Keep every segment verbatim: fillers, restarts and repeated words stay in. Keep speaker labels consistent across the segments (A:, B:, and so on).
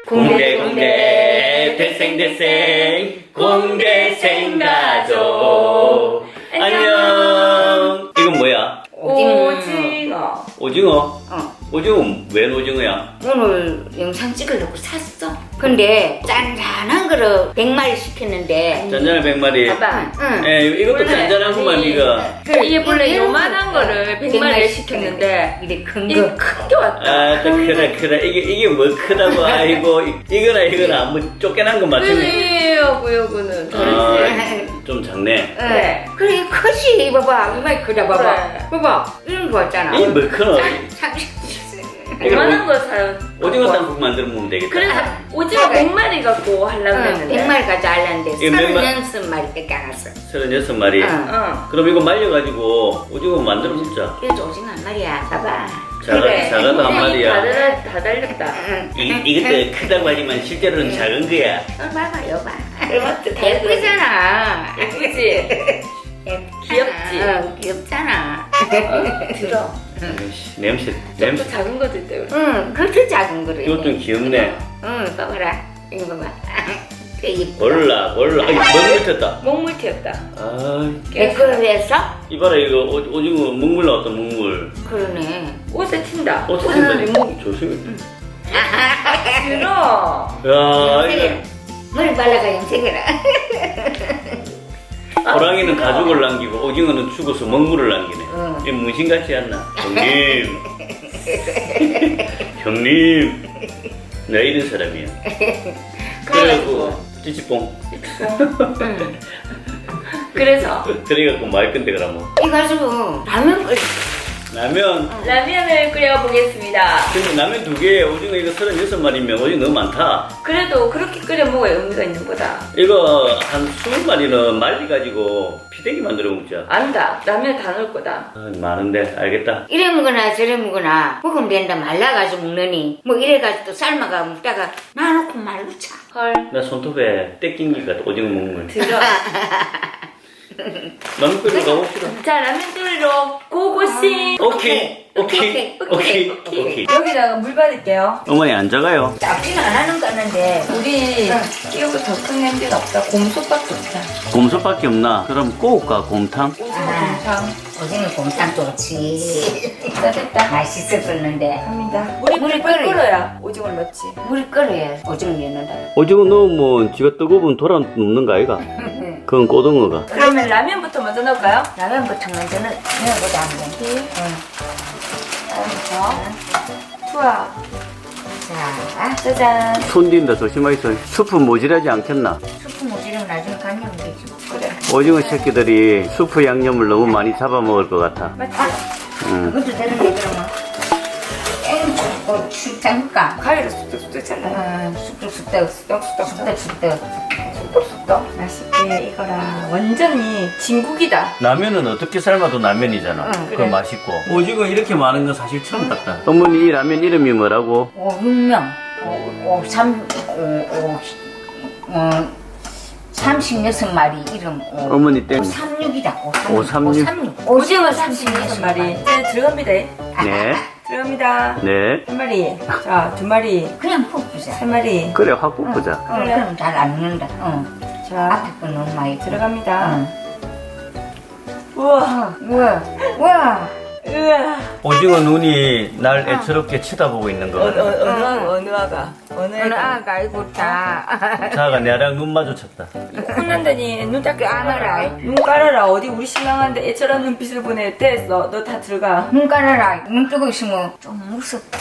A: 공대 공대 대생 대생 공대생 가족 안녕. 이건 뭐야?
B: 오징어.
A: 오징어?
C: 어.
A: 오징어 웬 오징어야?
C: 오늘 영상 찍으려고 샀어. 근데 짠짠한 거를 백 마리 시켰는데.
A: 짠짠한 백 마리.
B: 봐봐.
C: 응.
A: 예, 이것도 짠짠하구만 이거.
B: 이게 원래 요만한 거를 백 마리 시켰는데
C: 이래 큰
B: 이게
C: 거.
B: 큰 게 왔다.
A: 아, 또 크다 크다. 이게 이게 뭐 크다고 아이고 이거나 이거나 뭐 쫓겨난 거 맞추네.
B: 요거 요거는
A: 아,
B: 다르지.
A: 좀 작네.
B: 네.
C: 그래 크지. 봐봐 이마이 크다 봐봐.
B: 그래.
C: 봐봐 이런 거 있잖아.
A: 이 뭐 크노?
C: 참.
B: 요만한 거 사요.
A: 오징어 땅국 만들어 먹으면 되겠다.
B: 그래서 오징어
C: 그래.
B: 백 마리 갖고 하려고
C: 응,
B: 했는데.
C: 백 마리 가져 알았는데
A: 이거 몇 마-
C: 서른여섯 마리밖에 안 왔어.
A: 서른여섯 마리.
C: 응.
B: 어.
A: 그럼 이거 말려가지고 오징어 만들어 먹자.
C: 그래도 오징어 한 마리야. 봐봐.
A: 자가,
B: 그래.
A: 자가도 한
B: 다
A: 마리야.
B: 달라, 다 달렸다.
C: 응.
A: 이, 이것도 크다고 하지만 실제로는 작은 거야.
C: 어, 봐봐 여봐.
B: 맞지? 다
C: 예쁘잖아.
B: 예쁘지? 귀엽지?
C: 응, 귀엽잖아.
B: 어, 들어.
A: 아이씨, 냄새,
B: 또
A: 냄새.
B: 작은 것도 있다 그래.
C: 응, 그렇게 작은 거래.
A: 이거 좀 귀엽네.
C: 응, 봐봐라. 이거 봐봐. 그 이쁘다.
A: 몰라, 몰라. 아이, 먹물 튀었다.
B: 먹물 튀었다.
A: 아,
C: 내 거를 했어?
A: 이봐라, 이거 오, 오징어 먹물 나왔다, 먹물.
C: 그러네.
B: 옷에 튄다.
A: 어, 튀긴다. 목 조심해.
B: 들어.
A: 야,
C: 염색해라.
A: 이거.
C: 머리 발라가 염색해라.
A: 호랑이는 가죽을 남기고 오징어는 죽어서 먹물을 남기네.
C: 응.
A: 이 문신같지 않나? 형님. 형님. 나 이런 사람이야. 그래갖고 찌찌뽕.
B: 응. 그래서
A: 그래갖고 말 건데 그러면
C: 이거 가지고 라면 끓여.
A: 라면.
B: 라면을 끓여보겠습니다.
A: 근데 라면 두 개에 오징어 이거 서른여섯 마리면 오징어 너무 많다.
B: 그래도 그렇게 끓여 먹어야 의미가 있는 거다.
A: 이거 한 스무 마리는 말려가지고 피대기 만들어 먹자.
B: 안다. 라면 다 넣을 거다.
A: 아, 많은데 알겠다.
C: 이래 먹거나 저래 먹거나 먹으면 된다. 말라가지고 먹느니 뭐 이래가지고 또 삶아가 먹다가 놔놓고 말로 차.
B: 헐.
A: 나 손톱에 떼낀기가 오징어 먹물.
B: 들어.
A: 라면 끓이러 가봅시다.
B: 자, 라면 끓이러 고고싱.
A: 오케이, 오케이, 오케이, 오케이.
B: 여기다가 물 받을게요.
A: 어머니 안 작아요?
C: 잡지는 안 하는 거는데
B: 우리 끼우고 더 큰 냄비는 없다. 곰솥밖에 없다.
A: 곰솥밖에 없나? 그럼 꼬울까 곰탕?
B: 오징어
C: 아.
B: 곰탕.
C: 오징어 곰탕 좋지.
B: 됐다 됐다.
C: 맛있었었는데
B: 합니다. 물이
C: 물이
B: 끓
C: 끓어요.
B: 끓어야 오징어를 넣지.
C: 물이 끓어야 오징어 넣는다.
A: 오징어 넣으면 지가 뜨거우면 돌아 눕는 거 아이가? 그건 꼬등어가.
B: 그러면 라면부터 먼저 넣을까요?
C: 라면부터 먼저는 넣어보자 한번.
B: 이
C: 응.
B: 투하.
C: 자,
B: 짜잔.
A: 손딘다 조심하이소. 수프 모질하지 않겠나?
C: 수프 모지면 나중에 간이면 되지.
B: 그래.
A: 오징어 새끼들이 수프 양념을 너무 많이 잡아먹을 것 같아.
B: 맞지?
A: 응.
C: 그것도 되는데 그러면. 엥, 어, 죽자니까.
B: 가위로 쑥쑥쑥 잘라.
C: 아, 쑥쑥쑥떡, 쑥떡쑥떡, 쑥떡쑥떡.
B: 쑥쑥쑥. 맛있게 익어라. 완전히 진국이다.
A: 라면은 어떻게 삶아도 라면이잖아.
C: 응,
A: 그거
B: 그래.
A: 맛있고. 오징어 이렇게 많은 건 사실 처음 봤다. 어머니 이 라면 이름이 뭐라고?
C: 오, 육 명. 오, 오, 삼, 오, 오, 어, 삼십육 마리 이름. 오,
A: 어머니 땡.
C: 오삼육이다.
A: 오삼육.
C: 오삼육.
B: 오징어 삼십육 마리. 이제 들어갑니다.
A: 네.
B: 들어갑니다.
A: 네.
B: 한 마리. 자, 두 마리.
C: 그냥 푹 부자.
B: 세 마리.
A: 그래 확 굽자.
C: 어, 그럼 잘 안 넣는다. 어.
B: 자,
C: 앞에 거 너무 많이
B: 들어갑니다.
C: 응.
B: 우와.
C: 우와, 우와.
B: 우와.
A: 오징어 눈이 날 애처롭게 쳐다보고 있는 거
B: 어느,
A: 같아.
B: 어느, 어느, 아가, 어느 아가. 어느
C: 어느
B: 아가.
C: 아가 이고 자.
A: 자가 내랑 눈 마주쳤다.
B: 혼난다니 눈 닦게 안
C: 알아라.
B: 하라. 눈 깔아라. 어디 우리 신랑한테 애처럼 눈빛을 보내. 됐어. 너 다 들어가.
C: 눈 깔아라. 눈 뜨고 있으면 좀 무섭다.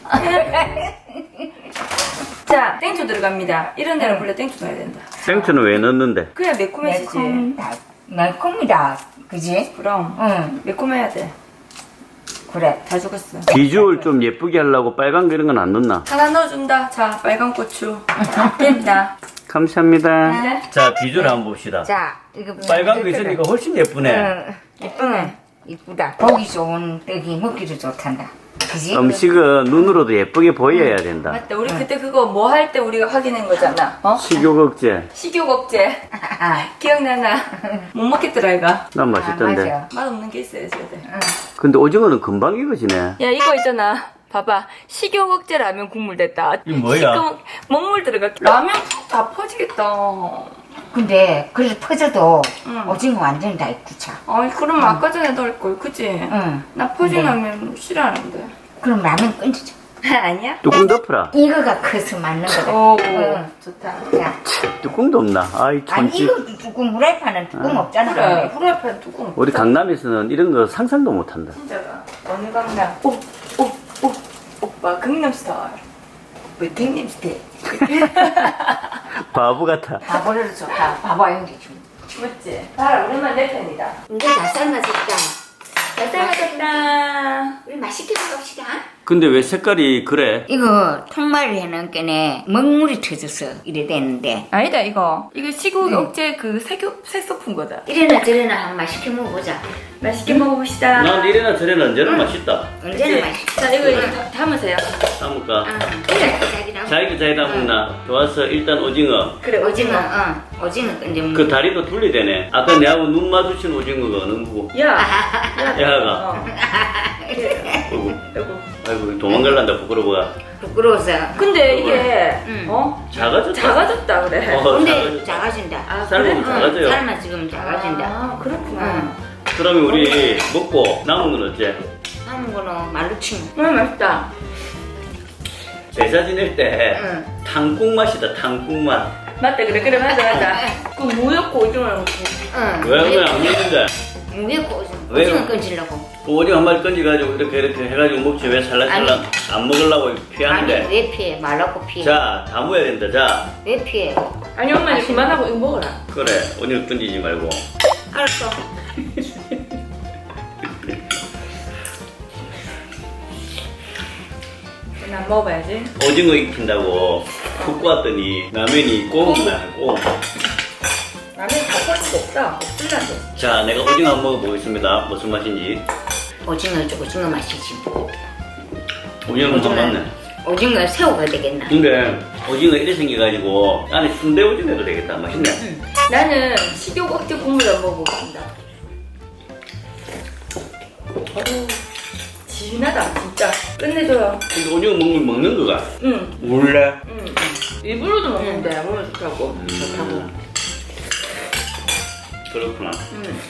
B: 자, 땡초 들어갑니다. 이런 데는 원래 땡초 넣어야 된다.
A: 생초는 왜 넣는데?
B: 그래야 매콤해지지.
C: 매콤다. 매콤이다. 그지?
B: 그럼
C: 응.
B: 매콤해야 돼.
C: 그래.
B: 다 죽었어.
A: 비주얼 좀 예쁘게 하려고 빨간 거 이런 건 안 넣나?
B: 하나 넣어준다. 자, 빨간 고추. 됩니다.
A: 감사합니다.
B: 네.
A: 자 비주얼 한번 봅시다.
C: 자, 이거
A: 빨간 거 있으니까 훨씬 예쁘네.
C: 응. 예쁘네. 이쁘다. 보기 좋은 떡이 먹기도 좋단다. 그지?
A: 음식은 눈으로도 예쁘게 보여야 된다.
B: 맞다. 우리 그때 그거 뭐 할 때 우리가 확인한 거잖아. 어?
A: 식욕억제.
B: 식욕억제.
C: 아,
B: 기억나나? 못 먹겠더라, 이가.
A: 난
C: 아,
A: 맛있던데.
C: 맞아.
B: 맛없는 게 있어야지.
C: 응.
A: 근데 오징어는 금방 익어지네.
B: 야, 이거 있잖아. 봐봐. 식욕 억제 라면 국물 됐다.
A: 이거 뭐야?
B: 시꺼먼 먹물 들어가. 라면 다 퍼지겠다.
C: 근데 그래도 퍼져도
B: 응.
C: 오징어 완전히 다 익구차.
B: 아이 그럼 아까 전에 넣을 걸, 그치?
C: 응.
B: 나 퍼진
C: 네.
B: 라면 싫어하는데.
C: 그럼 라면 끓이자.
B: 아니야?
A: 뚜껑 덮어라.
C: 이거가 커서 맞는 거다.
B: 오,
C: 응.
B: 좋다.
C: 자,
A: 뚜껑도 없나? 아이
C: 아니
A: 천지.
C: 이거 뚜껑 후라이팬은 뚜껑 없잖아.
B: 그래, 후라이팬 뚜껑.
A: 우리 강남에서는 이런 거 상상도 못한다.
B: 진짜가. 어느 강남? 오, 오, 오. 오빠 강남 스타일. 외탱님 스타일.
A: 바보 같아.
C: 바보를 좋다. 바보 연기 좀.
B: 맞지? 봐라, 오랜만 내 편이다.
C: 이제 다 삶아졌다.
B: 잘 삶아졌다.
C: 우리 맛있게 먹읍시다.
A: 근데 왜 색깔이 그래?
C: 이거 통말이 해놓은 게네 먹물이 터져서 이래 되는데
B: 아니다, 이거. 이거 시국
C: 응.
B: 억제 그 색소, 색소품 거다.
C: 이래나 저래나 한번 맛있게 먹어보자.
B: 맛있게 먹어봅시다.
A: 난 이래나 저래나 언제나 맛있다.
C: 언제나 맛있게.
B: 자, 이거 이제 다- 담으세요.
A: 담을까?
C: 아, 그래, 자기랑.
A: 자기가 자기다 먹나? 좋았어. 일단 오징어.
B: 그래,
C: 오징어, 어, 오징어 이제
A: 그 다리도 둘리되네. 아까 내하고 눈 마주친 오징어가 어느 거고?
B: 야!
A: 야가.
B: 어.
A: 아이고,
B: 아이고.
A: 아이고 도망갈란다 부끄러워가.
C: 부끄러워서.
B: 근데 이게,
C: 응.
B: 어?
A: 작아졌다.
B: 작아졌다, 그래.
A: 어,
C: 근데
A: 작아졌다.
C: 작아진다.
B: 아,
A: 삶으면
B: 그래?
A: 작아져요.
C: 응, 삶아 지금 작아진다.
B: 아, 그렇구나.
C: 응.
A: 그러면 우리 먹고 남은 건 어째?
C: 삶은 거는 말로 치면.
B: 음, 맛있다.
A: 제사 지낼 때
C: 응.
A: 탕국 맛이다. 탕국 맛.
B: 맞다, 그래, 그래, 맞아, 맞아. 그 무였고 오징어 넣고.
C: 응.
A: 왜 왜 안 먹는데?
C: 왜 오징어?
A: 왜요?
C: 오징어 건지려고.
A: 그 오징어 한 마리 건져가지고 이렇게 이렇게 해가지고 먹지 왜 살랑살랑 안 먹으려고
C: 아니
A: 피하는데?
C: 왜 피해? 말라고 피해.
A: 자, 다 모여야 된다. 자,
C: 왜 피해?
B: 아니, 엄마 이제 그만하고 이거 먹어라.
A: 그래. 오늘 건지지 말고.
C: 알았어.
B: 난 먹어봐야지.
A: 오징어 익힌다고 푹 구웠더니 라면이 꼬운다. 꼬.
B: 라면 다 퍼진 거 없다. 없을란데.
A: 자, 내가 오징어 한번 먹어보겠습니다. 무슨 맛인지.
C: 오징어 오징어 맛이지.
A: 오징어 맛 맞네.
C: 오징어 새우가 되겠나?
A: 근데 오징어 이래 생겨가지고 안에 순대 오징어도 되겠다. 맛있네.
C: 응.
B: 나는 식욕 억제 국물 안 먹어보겠습니다. 어우, 진하다, 진짜. 끝내줘요.
A: 근데 오징어 먹는 먹는 거가
B: 응,
A: 몰래.
B: 응. 일부러도 먹는데, 몸에 좋다고. 좋다고.
A: 음, 그렇구나.
B: 응.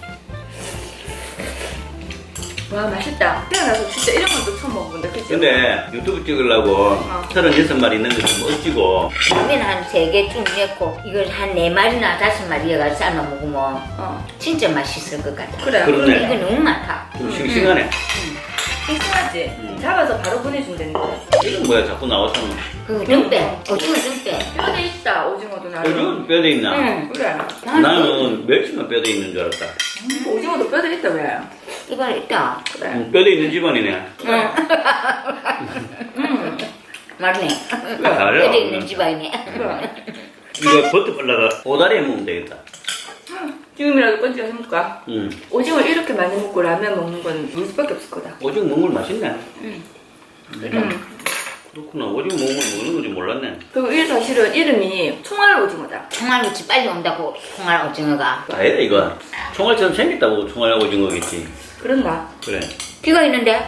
B: 와, 맛있다. 태어나서 진짜 이런 것도 처음 먹어본다, 그치?
A: 근데 유튜브 찍으려고 서른여섯 마리 있는 거 좀 어찌고
C: 라면 한 세 개 쭉 넣고 이걸 한 네 마리나 다섯 마리가 삶아 먹으면
B: 어,
C: 진짜 맛있을 것 같아.
B: 그래.
A: 그렇네.
C: 이거 너무 많다.
A: 좀 싱싱하네.
B: 싱싱하지?
A: 음.
B: 잡아서 바로 보내준다는데.
A: 이건 뭐야 자꾸 나왔잖아.
C: 그 등배, 오징어 등배.
B: 뼈대 있다, 오징어도 나는.
A: 오징어 뼈대 있나?
C: 응.
B: 그래.
A: 나는 멸치만 뼈대 있는 줄 알았다.
B: 오징어도 뼈대 있다, 왜?
C: 이번에 있다.
B: 그래.
A: 음, 뼈대 있는 집안이네.
C: 응.
B: 음.
C: 맞네.
A: 잘해.
C: 여기 있는 집안이네.
B: 그래.
A: 이거 버터 발라가 오다리에 먹으면 되겠다.
B: 지금이라도 건지가 해볼까?
A: 음.
B: 오징어 이렇게 많이 먹고 라면 먹는 건 물 수밖에 없을 거다.
A: 오징어 먹는 걸 맛있네.
B: 응.
A: 음. 그렇구나. 오징어 먹는 걸 먹는 건지 몰랐네.
B: 그리고 이 사실은 이름이 총알 오징어다.
C: 총알무치 빨리 온다고 총알 오징어가.
A: 아니다 이거. 총알처럼 생겼다고 총알 오징어겠지.
B: 그런가?
A: 그래.
C: 귀가 있는데?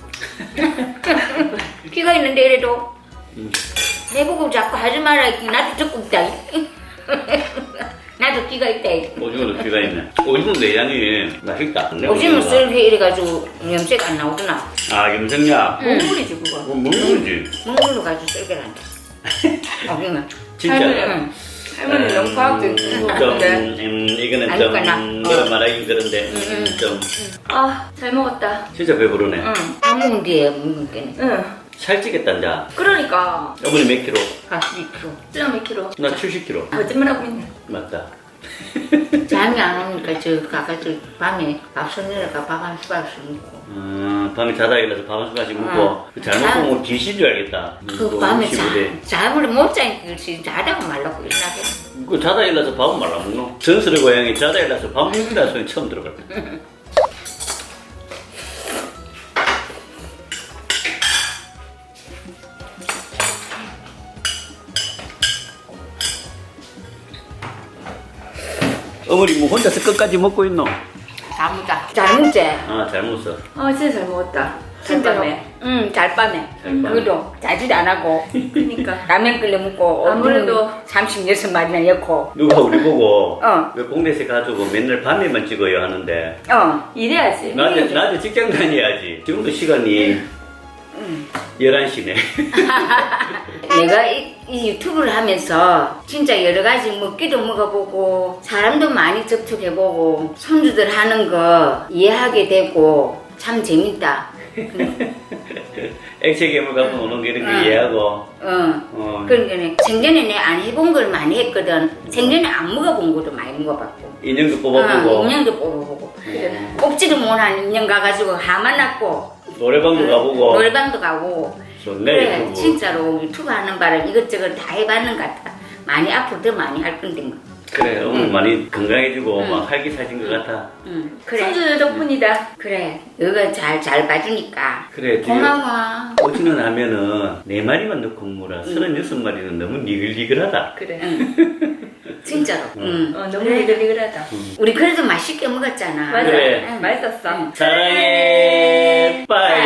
C: 귀가 있는데 이래도
A: 음.
C: 내보고 자꾸 하지 마라. 나도 듣고 있다. 나도 귀가 있다.
A: 오징어도 귀가 있네. 오징어 내장이 맛있다. 내
C: 오징어
A: 오징어가.
C: 썰게 이래가지고 염색 안 나오구나.
A: 아 염색약.
B: 먹물이지 그거.
A: 뭐 먹는 거지.
C: 먹물로 가지고 썰게 한다. 오징어.
A: 진짜.
B: 할머니, 할머니 너무 과학적
A: 음,
B: 친구
A: 좀,
B: 같은데.
A: 음, 이거는
C: 아니,
A: 좀,
C: 그나.
A: 음,
C: 어.
A: 내가 말하긴 그런데,
C: 음,
A: 음, 좀,
B: 아, 잘 먹었다.
A: 진짜 배부르네.
B: 응.
C: 다 먹은 뒤에 먹는 게네.
B: 응.
A: 살찌겠다, 이제.
B: 그러니까.
A: 어머니 몇 킬로?
C: 아, 이 킬로.
B: 찔러 몇 킬로?
A: 나 칠십 킬로.
B: 거짓말하고 있네.
A: 맞다.
C: 잠이 안 오니까 저 가까이 밤에 밥 손내려가 밥 한 숟가락씩 먹고.
A: 음, 밤에 자다 일어나서 밥 한 숟가락씩 먹고,
C: 어.
A: 그 잘못
C: 자-
A: 먹으면 귀신 줄 알겠다. 음,
C: 그
A: 또
C: 밤에
A: 십오 대.
C: 자, 잠을 못 자니까 그렇지 자다가 말라고 일어나게.
A: 그 자다 일어나서 밥은 말라 먹노? 전설의 고양이 자다 일어나서 밥 먹는다는 소리 처음 들어봤다. 어머니 뭐 혼자서 끝까지 먹고 있노?
C: 다 먹자. 잘 먹지?
A: 아, 잘 먹었어.
B: 어 진짜 잘 먹었다.
C: 진짜로.
B: 잘
C: 응, 잘 빠네.
A: 잘 빠네.
C: 그래도 자질 안 하고.
B: 그러니까
C: 라면 끓여 먹고.
B: 아무래도
C: 삼십육 마리나 넣고.
A: 누가 우리 보고
C: 어.
A: 왜 공대생 가지고 맨날 밤에만 찍어요 하는데
C: 어.
B: 이래야지.
A: 낮에, 낮에 직장 다녀야지. 지금도 시간이
C: 응.
A: 열한 시네.
C: 내가 이, 이 유튜브를 하면서 진짜 여러 가지 먹기도 먹어보고 사람도 많이 접촉해보고 손주들 하는 거 이해하게 되고 참 재밌다.
A: 액체 괴물 갖고 오는 게 이런 거
C: 응.
A: 이해하고.
C: 어.
A: 어.
C: 그러니까 생전에 내 안 해본 걸 많이 했거든. 생전에 안 먹어본 것도 많이 먹어봤고.
A: 인형도 뽑아보고.
C: 어, 인형도 뽑아보고.
A: 어.
C: 뽑지도 못한 인형 가가지고 하만 났고.
A: 노래방도 가보고.
C: 노래방도 가고.
A: 좋네.
C: 그래,
A: 유튜브.
C: 진짜로 유튜브 하는 바람 이것저것 다 해봤는 것 같아. 많이 앞으로 더 많이 할 건데 뭐.
A: 그래, 오늘
C: 응.
A: 많이 건강해지고
C: 응.
A: 막 활기차진 것 같아.
C: 응, 그래.
B: 손주 덕분이다.
C: 그래, 너가 잘, 잘 봐주니까.
A: 그래, 지금
C: 고마워.
A: 오지는 하면은 네 마리만 넣고 먹으라. 서른여섯 마리는 너무 니글니글하다.
B: 그래.
C: 응. 진짜로. 응.
B: 어 너무
C: 그래.
B: 니글니글하다.
C: 우리 그래도 맛있게 먹었잖아.
B: 맞아.
A: 그래.
C: 응.
B: 맛있었어.
A: 사랑해, 빠이.